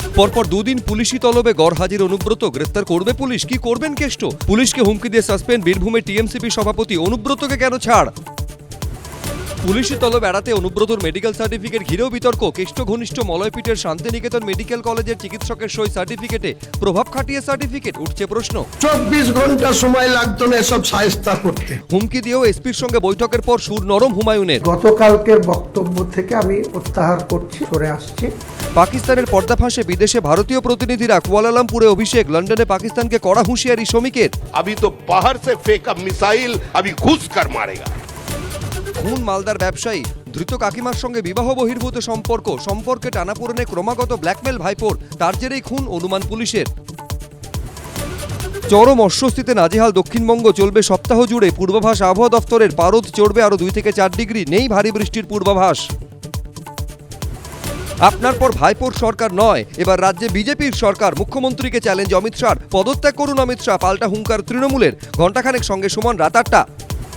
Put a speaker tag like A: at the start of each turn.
A: পরপর দুদিন পুলিশি তলবে গড়হাজির অনুব্রত, গ্রেফতার করবে পুলিশ, কি করবেন কেষ্ট? পুলিশকে হুমকি দিয়ে সাসপেন্ড বীরভূমের টিএমসিপি সভাপতি, অনুব্রতকে কেন ছাড়? পুলিশি তলব এড়াতে অনুব্রতর মেডিকেল সার্টিফিকেট ঘিরেও বিতর্ক। কেষ্ট ঘনিষ্ঠ মলয়পীঠের শান্তিনিকেতন মেডিকেল কলেজের চিকিৎসকের সই সার্টিফিকেটে প্রভাব খাটিয়ে সার্টিফিকেট, উঠছে প্রশ্ন।
B: 24 ঘন্টা সময় লাগতো না এসব সাহেস্তা করতে।
A: হুমকি দিয়েও এসপির সঙ্গে বৈঠকের পর সুর নরম হুমায়ুনের।
B: গতকালকের বক্তব্য থেকে আমি প্রত্যাহার করছি, সরে আসছি।
A: পাকিস্তানের পর্দাফাঁসে বিদেশে ভারতীয় প্রতিনিধিরা, কুয়ালালামপুরে অভিষেক, লন্ডনে পাকিস্তানকে কড়া হুঁশিয়ারি শ্রমিকের।
C: अभी तो बाहर से फेंका मिसाइल अभी घुस कर मारेगा।
A: খুন মালদার ব্যবসায়ী, ধৃত কাকিমার সঙ্গে বিবাহ বহির্ভূত সম্পর্কে টানাপোড়েনে ক্রমাগত ব্ল্যাকমেল ভাইপোর, তার জেরেই খুন অনুমান পুলিশের। চরম অস্বস্তিতে নাজেহাল দক্ষিণবঙ্গ, চলবে সপ্তাহ জুড়ে পূর্বাভাস আবহাওয়া দফতরের। পারদ চড়বে আরও 2 থেকে 4 ডিগ্রি, নেই ভারী বৃষ্টির পূর্বাভাস। আপনার পর ভাইপোর সরকার নয়, এবার রাজ্যে বিজেপির সরকার। মুখ্যমন্ত্রীকে চ্যালেঞ্জ অমিত শাহর, পদত্যাগ করুন অমিত শাহ, পাল্টা হুঙ্কার তৃণমূলের। ঘণ্টাখানেক সঙ্গে সমান রাত 8টা।